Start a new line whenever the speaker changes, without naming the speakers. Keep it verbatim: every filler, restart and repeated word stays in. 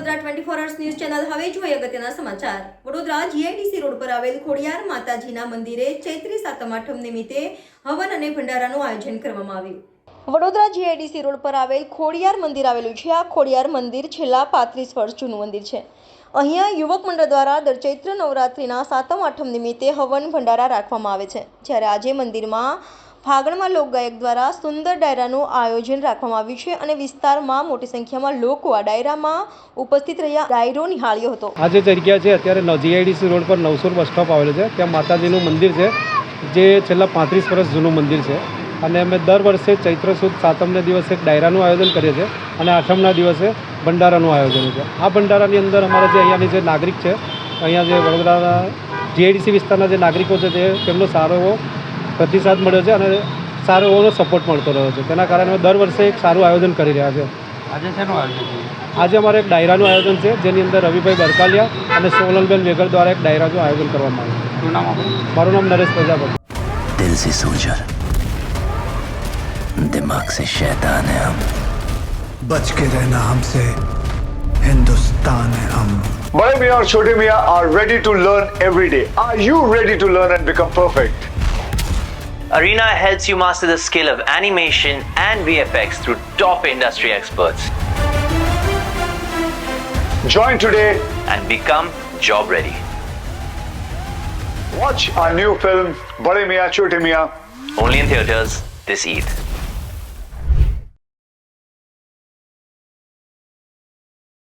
Vadodara twenty four hours news channel હવે જોઈએ અગત્યના સમાચાર। વડોદરા જીઆઈડીસી રોડ પર આવેલ ખોડિયાર માતાજીના મંદિરે ચૈત્રી સાતમ આઠમ નિમિત્તે હવન અને ભંડારાનું આયોજન કરવામાં આવ્યું। વડોદરા જીઆઈડીસી રોડ પર આવેલ ખોડિયાર મંદિર આવેલું છે। આ ખોડિયાર મંદિર છેલ્લા પાંત્રીસ વર્ષ જૂનું મંદિર છે। અહીંયા યુવક મંડળ દ્વારા દર ચૈત્ર નવરાત્રિના સાતમ આઠમ નિમિત્તે હવન ભંડારા રાખવામાં આવે છે। જ્યારે આજે મંદિરમાં ફાગણમાં લોકગાયક દ્વારા સુંદર ડાયરાનું આયોજન રાખવામાં આવ્યું છે અને વિસ્તારમાં મોટી સંખ્યામાં લોકો આ ડાયરામાં ઉપસ્થિત રહ્યા ડાયરો નિહાળ્યો હતો।
આ જે જગ્યા છે અત્યારે જીઆઈડીસી રોડ પર નવસુર બસ સ્ટોપ આવેલું છે, ત્યાં માતાજીનું મંદિર છે જે છેલ્લા પાંત્રીસ વર્ષ જૂનું મંદિર છે અને અમે દર વર્ષે ચૈત્ર સુદ સાતમને દિવસે એક ડાયરાનું આયોજન કરીએ છીએ અને આઠમના દિવસે ભંડારાનું આયોજન છે। આ ભંડારાની અંદર અમારા જે અહીંયાની જે નાગરિક છે, અહીંયા જે વડોદરાના જીઆઈડીસી વિસ્તારના જે નાગરિકો છે તે તેમનો સારો એવો પ્રતિસાદ મળ્યો છે અને સારો એવો સપોર્ટ મળતો રહ્યો છે। તેના કારણે અમે દર વર્ષે એક સારું આયોજન કરી રહ્યા છે।
આજે શેનું આયોજન છે?
આજે અમારે એક ડાયરાનું આયોજન છે જેની અંદર રવિભાઈ બરકાલિયા અને સોનલબેન વેગર દ્વારા એક ડાયરાનું આયોજન કરવામાં આવ્યું છે।
શું નામ આપણું?
મારું નામ નરેશ પ્રજાપતિ।
दिल से सोल्जर, दिमाग से शैतान है हम,
बच के रहना हमसे, हिंदुस्तान है हम।
Bade Miyan और Chote Miyan are ready to learn every day. Are you ready to learn and become perfect?
Arena helps you master the skill of animation and V F X through top industry experts
Join today.
and become job ready.
Watch our new film Bade Miyan Chote Miyan
Only in theaters this Eid.